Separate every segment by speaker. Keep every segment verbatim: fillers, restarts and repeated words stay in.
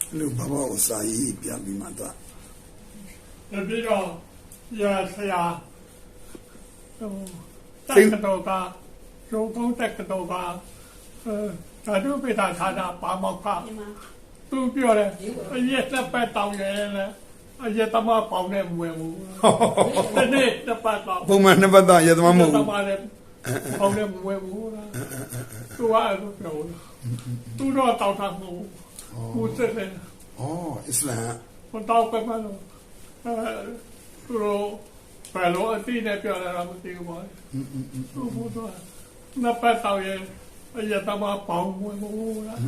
Speaker 1: လူဘာဘာကိုစာရေးပြပြီးမှတော့
Speaker 2: ပြီးတော့ရဆရာဟိုတက်ကတော့ကရုံးကုန်းတက်ကတော့ကအဲဓာတုပိဋကဌာနပါမောက္ခသူပြောတယ်အရက်တစ်ပတ်တောင်းရဲလေအရက်သမားပေါင်းနဲ့မဝင်ဘူးဒီနေ့တစ်ပတ်တော့
Speaker 1: ပုံမှန်နှစ်ပတ်တော့ရက်သမားမဟုတ်ဘူး
Speaker 2: ပေါင်းနဲ့မဝင်ဘူးလားသူကအဲ့လိုပြောတယ်သူတော့တောင်းတာမဟုတ်ဘူးသူစက်တယ်
Speaker 1: ဩအစ္စလာမ်
Speaker 2: ဟိုတောင်းပဲမလို့အဲသူတို့ဘယ်လိုအတိနဲ့ပြောလာတာမသိဘူးပေါ့သူဘုရားနှစ်ပတ်တော့ရဲအရက်သမားပေါင်းဝင်ဘူးလား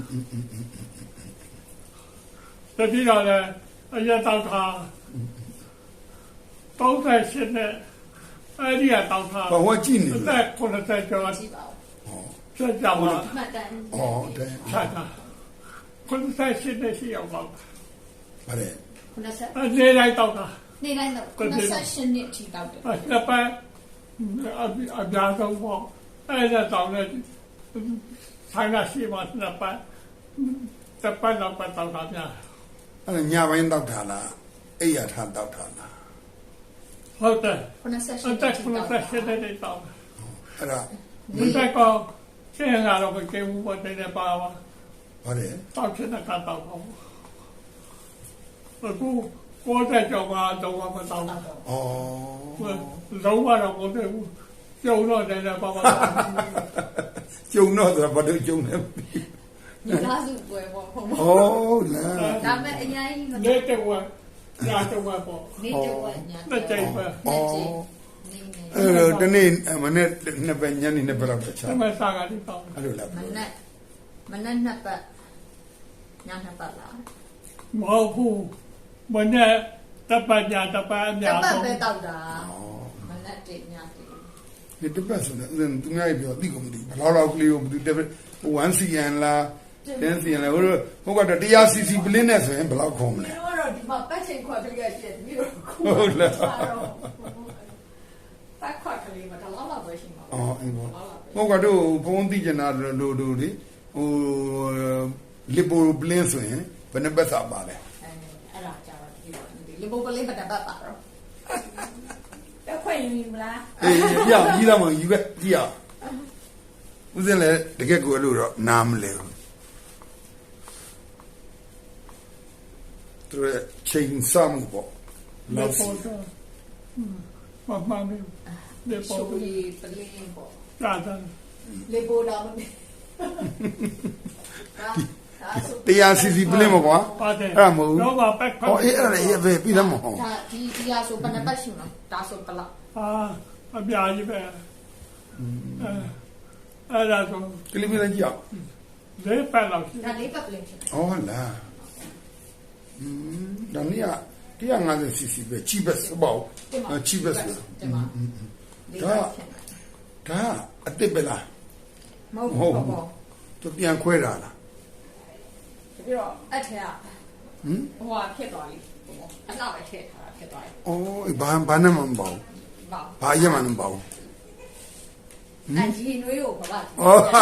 Speaker 2: တတိယလည်းအရက်တောက်တာတောက်တဲ့ရှင်းနဲ့အဲ့ဒီကတောက်တာ
Speaker 1: ဘာဝကြည့်နေ
Speaker 2: လဲအဲ့ခုနကကြောကြည့်ပါဦးဆက်ကြပါ
Speaker 3: မှတ်တမ်း
Speaker 1: ဩတဲ့
Speaker 2: ဆက်တာခုနကရှင်းနဲ့ရှိအောင်ပါ
Speaker 1: ဗါလေ
Speaker 3: ခုနကဆက်
Speaker 2: နေလိုက်တောက်တာ
Speaker 3: နေလိုက်တော့ခုနကရှင်းနဲ့ထိတောက်တယ်
Speaker 2: အဲ့ပတ်အအပြားတော့ပေါ့အဲ့ဒါတောက်နေဆိုင်လာရှိမှနှစ်ပတ်တစ်ပတ်တော့ပတ်တောက်တာများ
Speaker 1: အဲ့ညပိုင်းတောက်တာလားအိယာထားတောက်တာလား
Speaker 2: ဟုတ်တယ်
Speaker 3: ခုနကဆက်
Speaker 2: အဲ့ဒါခုနကဆက်တဲ့တောက်
Speaker 1: အဲ့ဒါ
Speaker 2: ဒီဘက်ကောရှင်းလာတော့ကေဘူးပေါ်တဲ့ပါပါ
Speaker 1: ဟုတ်တယ်
Speaker 2: တောက်ချင်တာကတော့ပေါ့အခုကိုယ်တဲ့ကြောင့်ကတော့မတောက်ဘူးဩလုံးဝတော့မဟုတ်ဘူးကျုံတော့တယ်ပါပါ
Speaker 1: ကျုံတော့ဆိုတော့ဘာလို့ကျုံလဲ
Speaker 3: ဒီကားစုပွဲပေါ့ဟုတ်
Speaker 1: ဩလား
Speaker 3: ဒါမဲ့အရင်ကြီးမ
Speaker 2: နေတဲ့ဝါညာတော့ပေါ့
Speaker 3: နေတဲ့ဝါညာ
Speaker 2: တဲ့ကြိုက်ပဲ
Speaker 1: နဲ့ကြိုက်အဲ့တော့ဒီနေ့မနေ့နှစ်ပတ်ညနေနှစ်ပတ်လောက်ချာ
Speaker 2: မစားကလေးပေါ့
Speaker 1: အဲ့လိုလား
Speaker 3: မနေ့မနေ့နှစ်ပတ်ညနှစ်ပတ်လား
Speaker 2: မဟုတ်ဘူးမနေ့တပတ်ညတပတ်အများ
Speaker 3: ဆုံးတပတ်ပဲတောက်တာမနေ့တည်းညတည်း
Speaker 1: ဒီတပတ်ဆိုတော့သူများပြောသိကုန်မသိဘယ်လောက်ကလေးကိုဘယ်သူတက်one cm လားten cm လားဟိုဟိုကတော့one cc ပလင်းနဲ့ဆိုရင်ဘယ်လောက်ခုံမလဲ
Speaker 3: ဟိုတော့ဒီမှာပတ်ချိန်ခွက်ကလေးရှိတယ်ပြီးတော့
Speaker 1: ဟုတ်လား
Speaker 3: ပတ်ခွက်ကလေးမှာတော့လောက်ပဲရှိမှာ
Speaker 1: အော်အေးပေါ့ဟိုကတော့ဖုန်းသိကျင်တာလို့တို့လေဟိုလီပိုပလင်းဆိုရင်ဘယ်နှပတ်စာပါလဲ
Speaker 3: အဲ့ဒါကြာတော့ဒီလီပိုပလင်းပတ်ပတ်ပါတော့တက်ခွင့်ယူမလား
Speaker 1: အေးပြကြီးလာမှယူခဲ့ကြည့်အောင်ဦးစင်းလည်းတကယ်ကိုအဲ့လိုတော့နားမလဲဘူးသူချိန်စမှုပေါ့
Speaker 2: လောက်စီမမမလေ
Speaker 3: ပေါ်ပလင်းပေါ့
Speaker 2: ဒါဒါ
Speaker 3: လေပေါ်တော့မ
Speaker 1: တရားစီစီပလင်းမကွာ
Speaker 2: အဲ့
Speaker 1: ဒါမဟုတ်ဘူး
Speaker 2: တော့ပါပက်
Speaker 1: ဟောအေးအဲ့ဒါရေးပဲပြီးသားမဟုတ်
Speaker 3: ဒါဒီတရားဆိုဘယ်နှပတ်ရှိမလဲဒါဆိုဘလောက်
Speaker 2: ဟာအပြာကြီးပဲအဲအဲ့ဒါဆို
Speaker 1: ကလေးမင်းကြီးအောင်
Speaker 2: လေးပတ်လောက်ရှိ
Speaker 3: ဒါလေးပတ်ပလင်းရှိ
Speaker 1: ဩလားอืมဒါနည်းone fifty cc ပဲ cheapest ပေါ့ cheapest ဒါဒါအတစ်ပဲလား
Speaker 3: မဟုတ်ဘူးပေါ့
Speaker 1: သူပြန်ခွဲတာလား
Speaker 3: ပြီးတော့အထက်ကဟမ်ဟိုဟာဖြစ်သွားပြီအလောက်ပဲထည့်ထားတာဖြစ်သွားပြီ
Speaker 1: ဩဘာဘာနဲ့မှမပေါ့
Speaker 3: ဘာ
Speaker 1: ဘာရမှမပေါ့
Speaker 3: အကြီးနွေးကိုဘာပါ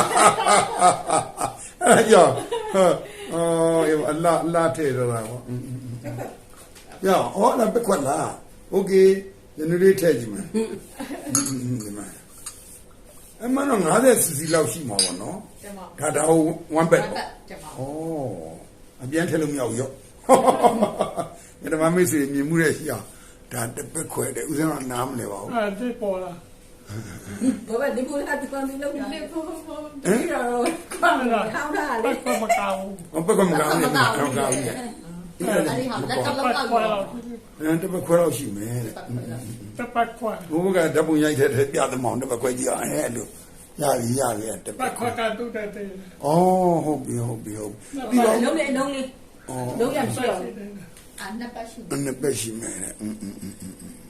Speaker 1: အဲ့ကြောင့်အော်အလာအလာထဲတော့တာပေါ့ရအောင်အော်လာပက်ခွက်လားโอเคညနေလေးထည့်ကြည့်မယ်ဒီမှာအမှန်တော့fifty cc လောက်ရှိမှာပေါ့နော်ဒါဒါone bed ပေါ့ဩအပြန်ထည့်လို့မရဘူးရောညမမေးစီမြင်မှုရဲ့ရှိအောင်ဒါတပက်ခွဲတဲ့ဦးစင်းကနားမလဲပါဘူး
Speaker 2: အဲ့ဒီပေါ်လာ
Speaker 3: ဘာပဲဒီကိုလာဒီကောင်လေးလောက်နေပေါ်ပေါ်ဒီတော့ကောင်းလာကောင်းလာလေ
Speaker 2: ပက်မကောင်း
Speaker 1: ဘူးပက်ကမကောင်းဘူးကောင်းကောင်းကြီး
Speaker 3: အဲ့ဒီဟာလက်တော့လောက်လောက်
Speaker 1: အဲ့တပက်ခွဲလောက်ရှိမယ်တဲ့
Speaker 2: တပတ်ခွဲ
Speaker 1: ဘိုးကဓာတ်ပုံရိုက်တဲ့ပြသမောင်တပက်ခွဲကြီးအောင်အဲ့လိုရပြီရပြီတ
Speaker 2: ပတ်ခွဲကတူတဲ့တဲ့
Speaker 1: ဩဟုတ်ပြီဟုတ်ပြီဟုတ်
Speaker 3: ပြီးတော့လုံးလေးလုံးလေးလုံးရရှိအောင်အာနှစ်ပတ်ရှိ
Speaker 1: မယ်နှစ်ပတ်ရှိမယ်တဲ့အင်းအင်းအင်း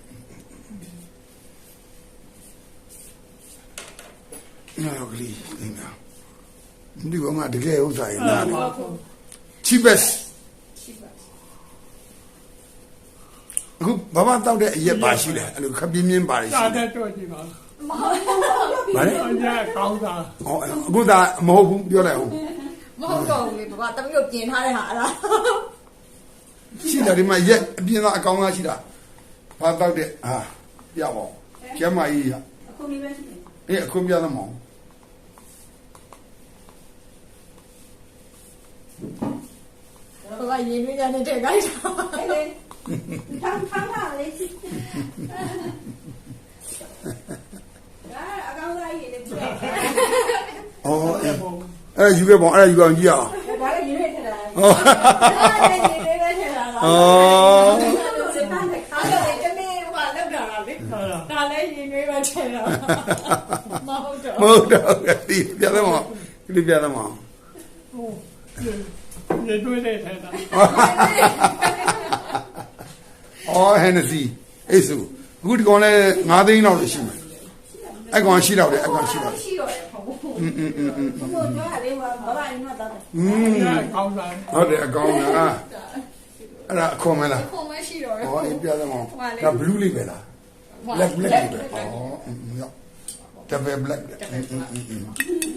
Speaker 1: နော်ကလေးနေနာဒီကောင်ကတကယ်ဥစားရနာ cheapest အခုဘာမှတောက်တဲ့အရက်ပါရှိတယ်အဲ့လိုခပ်ပြင်းပြင်းပါရှိတယ်
Speaker 2: တာတဲ့တော့ကြည့်ပါ
Speaker 3: မဟုတ်
Speaker 1: ဘာလဲ
Speaker 2: အညာကောင်းတာ
Speaker 1: ဟောအခုဒါမဟုတ်ဘူးပြောလိုက်အောင်
Speaker 3: မဟုတ်တော့ဘူးလေဘာတမီးကိုပြင်ထားတဲ့ဟာအဲ့ဒါ
Speaker 1: ရှိတယ်ဒီမှာရက်အပြင်သားအကောင်သားရှိတာဘာတောက်တဲ့ဟာပြပါဦးကျမကြီးရ
Speaker 4: အခုမိပဲရှိတယ်
Speaker 1: အေးအခုပြသမောင်
Speaker 3: ဟိုကရင်းနှီးကြတဲ့ခိုင်းတာ
Speaker 4: အဲ့လေထမ်းထမ်းလာလေရှိဒါအကောင်သားကြီးလည်းပြည့်
Speaker 1: အော်အဲ့ယူခဲ့ပေါ့အဲ့ယူအောင်ကြည့်အောင်
Speaker 4: ဒါလည်းရေးရထတာ
Speaker 1: ဟော
Speaker 4: ဒါလည်းရေးရထတာ
Speaker 1: အော်
Speaker 4: စတဲ့ခါလည်းတမင်းဟိုလောက်တာလေ
Speaker 2: ဟုတ်လား
Speaker 3: ဒါလည်းရင်းနှီးပဲထဲတာမဟုတ်တော့
Speaker 1: မဟုတ်တော့ဒီပြသမောင်ဒီပြသမောင်
Speaker 2: ဟိုရေတွေးတဲ့ထဲတာ
Speaker 1: အော်ဟန်နစီအေးစုအခုဒီကောင်လည်းငါးသိန်းလောက်ရှိမယ်အဲ့ကောင်ရှိတော့တယ်အဲ့ကောင်ရှိတော့
Speaker 4: ရှိတော့တယ်ဟုတ်ဘူး
Speaker 1: อืมอืมอืมอืม
Speaker 4: ဘုရားပြောရတယ်ဘာဘာအင်းတော့တော့
Speaker 1: อืม
Speaker 2: ဒါကောင်းစား
Speaker 1: ဟုတ်တယ်အကောင်လားအဲ့ဒါအခွန်မလား
Speaker 3: ခုံမရှိတော့
Speaker 1: ဟောအေးပြသမောင်ဒါ blue လေးပဲလား black black လေးပဲအော်อืมရောတပယ် black อืมอืมอืม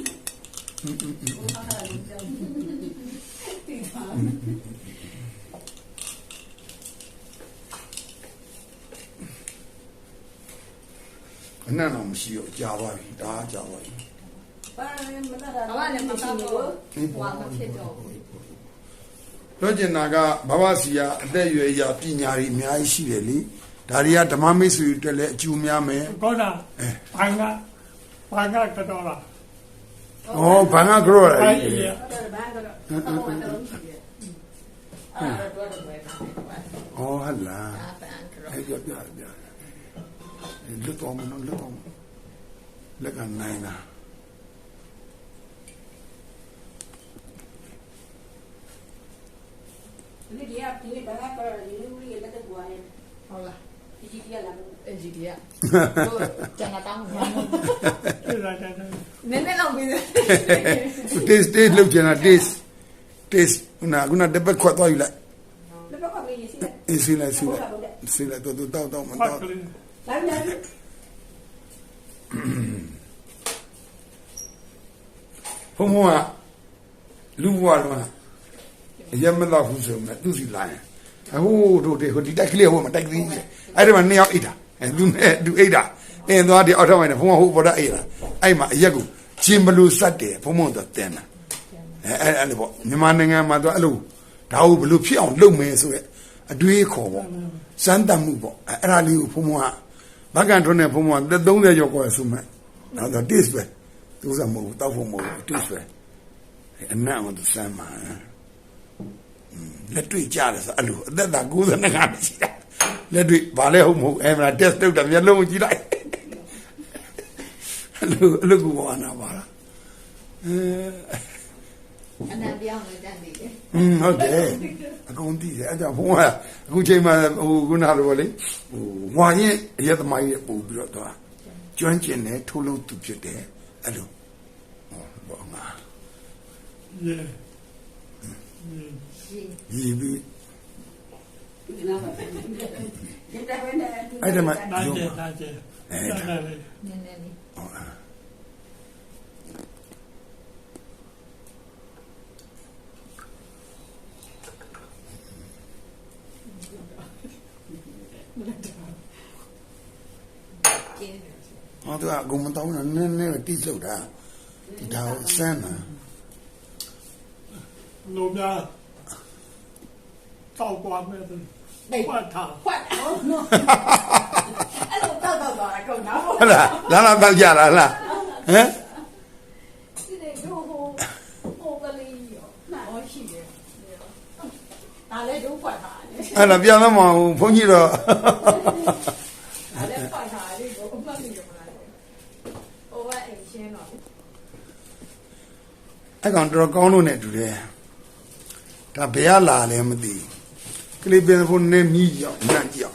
Speaker 1: အနံ့တော့မရှိတော့ကြာသွားပြီဒါကြာသွားပြီ
Speaker 4: ဘာလဲမသားတာ
Speaker 3: ဘာမှလည်းမတော့ဘူးဟွာမဖြစ်တော့ဘူး
Speaker 1: ပြောချင်တာကဘဝစီယာအသက်အရွယ်ရာပညာတွေအများကြီးရှိတယ်လေဒါတွေကဓမ္မမိတ်ဆွေတွေလည်းအကျိုးများမယ်
Speaker 2: ကောတာဘာကဘာကကတော့လား
Speaker 1: ဩဘာငါကြောရ
Speaker 2: ဘာ
Speaker 1: လဲ
Speaker 2: ကြီးရ
Speaker 4: တော့ဘာကတော့တော့တော့ရှိတယ်
Speaker 3: အဲ့ဒါတော့တော့ပဲတာ
Speaker 1: ဩဟလာ
Speaker 3: အာပန်ကတော့
Speaker 1: အဲ့ပြပြပြလွတ်တော်မနော်လွတ်တော်လက်ကနိုင်လား
Speaker 4: ဒီကဒီဘာကတော့ဒီလူကြီးလက်တော့ရတယ်
Speaker 3: ဟုတ်လား
Speaker 4: ဒီကြီးကလာ
Speaker 3: အဂျီဒီကတို့ကျန်တာတောင်းမှာ
Speaker 2: ပြေးလာတယ်
Speaker 3: နည်းနည်းလောက်ပြီး
Speaker 1: taste taste လောက်ချင်တာ taste taste ခုနကတပတ်ခွတ်သွားယူလိုက်
Speaker 4: လက်တော့ကလေးရှိတယ်
Speaker 1: အေးစီလိုက်စီလိုက်စီလိုက်တော့တော့တော့မ
Speaker 2: ဖတ်
Speaker 1: တော့
Speaker 2: ကလေး
Speaker 4: လာလာ
Speaker 1: ဘုံဘုံကလူဘွားတော့ရမတော့ဘူးဆိုမှသူစီလာရင်ဟိုးတို့တဲ့ဟိုဒီတိုက်ကလေးဟိုမှာတိုက်ကလေးအဲ့ဒီမှာနှစ်ယောက်အိတ်တာအဲသူနဲ့သူအိတ်တာအင်းသွားဒီအောက်ထပ်မှာဘုံကဟိုပေါ်တာအိတ်တာအဲ့မှာအရက်ကိုချင်းဘလူးစတ်တယ်ဘုံဘုံတော့တင်တာအဲအဲ့အဲ့လိုပေါ့မြန်မာနိုင်ငံမှာတော့အဲ့လိုဒါကိုဘလို့ဖြစ်အောင်လုပ်မယ်ဆိုရက်အတွေးခေါ်ပေါ့စမ်းတတ်မှုပေါ့အဲ့ဒါလေးကိုဘုံဘုံကဘက်ကန်ထွန်းနဲ့ဘုံဘုံကသုံးဆယ်ကျော်ကိုဆိုမှတော့ taste ပဲသူစားမဟုတ်တောက်ဖို့မဟုတ် taste ပဲအနံ့အောင်သူစမ်းမှာလက်တွေ့ကြတယ်ဆိုအဲ့လိုအသက်သာ၉၂ခါရှိတာလက်တွေ့ဘာလဲဟုတ်မဟုတ်အဲ့မှာ test လုပ်တာမျက်လုံးကြည့်လိုက်အဲ့လိုအဲ့လိုကိုဘာနာပါလားအဲ
Speaker 3: အနံပြောင်းလို့တန်နေတယ်
Speaker 1: อืมဟုတ်တယ်အကုန်သိတယ်အဲ့ကြောင့်ဘုံကအခုချိန်မှာဟိုခုနလိုပေါ့လေဟိုဝါရင်အရက်သမားကြီးပို့ပြီးတော့တော့ကျွမ်းကျင်တယ်ထိုးလို့သူဖြစ်တယ်အဲ့လိုဟောဘောငါ
Speaker 2: ရေ
Speaker 1: ဒီပြီး
Speaker 4: ဒီနာပါဒီတဲ့ဘယ်နဲ့
Speaker 1: အဲ့ဒါမှ
Speaker 2: နာ
Speaker 1: ရုံး
Speaker 2: ကျ
Speaker 1: ပါ
Speaker 2: နာကျ
Speaker 1: အဲ
Speaker 2: အဲ့
Speaker 1: ဒါ
Speaker 2: ဒါလေး
Speaker 3: နည်းနည်းလေး
Speaker 1: ဟုတ်လား
Speaker 3: ကျင်းတယ်
Speaker 1: ဟောသူကအကုန်မတောင်းတာနည်းနည်းတိကျုပ်တာဒီဒါကိုစမ်းတာ
Speaker 2: လိုများတောက်သွားမယ်ဆိုဖတ်ထား
Speaker 4: ခွတ်အောင်နော်အဲ့လိုတော့တော့တော့အကုန်နော်
Speaker 1: ဟုတ်လားလာလာတော့ကြလားလားဟမ်
Speaker 4: ဒီလေဟိုဟိုဟိုကလေးရောနားရှိတယ်ဒါလည်းဒုခွတ်တာလေ
Speaker 1: အဲ့ဒါပြန်တော့မအောင်ဘုန်းကြီးတော့
Speaker 4: ဒါလည်းခွတ်တာလေးကိုအမှတ်မိရမလားဟိုကအိမ်ရှင်းတော့
Speaker 1: အဲ့ကောင်တော်ကောင်းလို့နဲ့တူတယ်ဒါဘယ်ရလာလဲမသိကလေးပင်ဖို့နည်းနီးကြောင်နတ်ကြောင်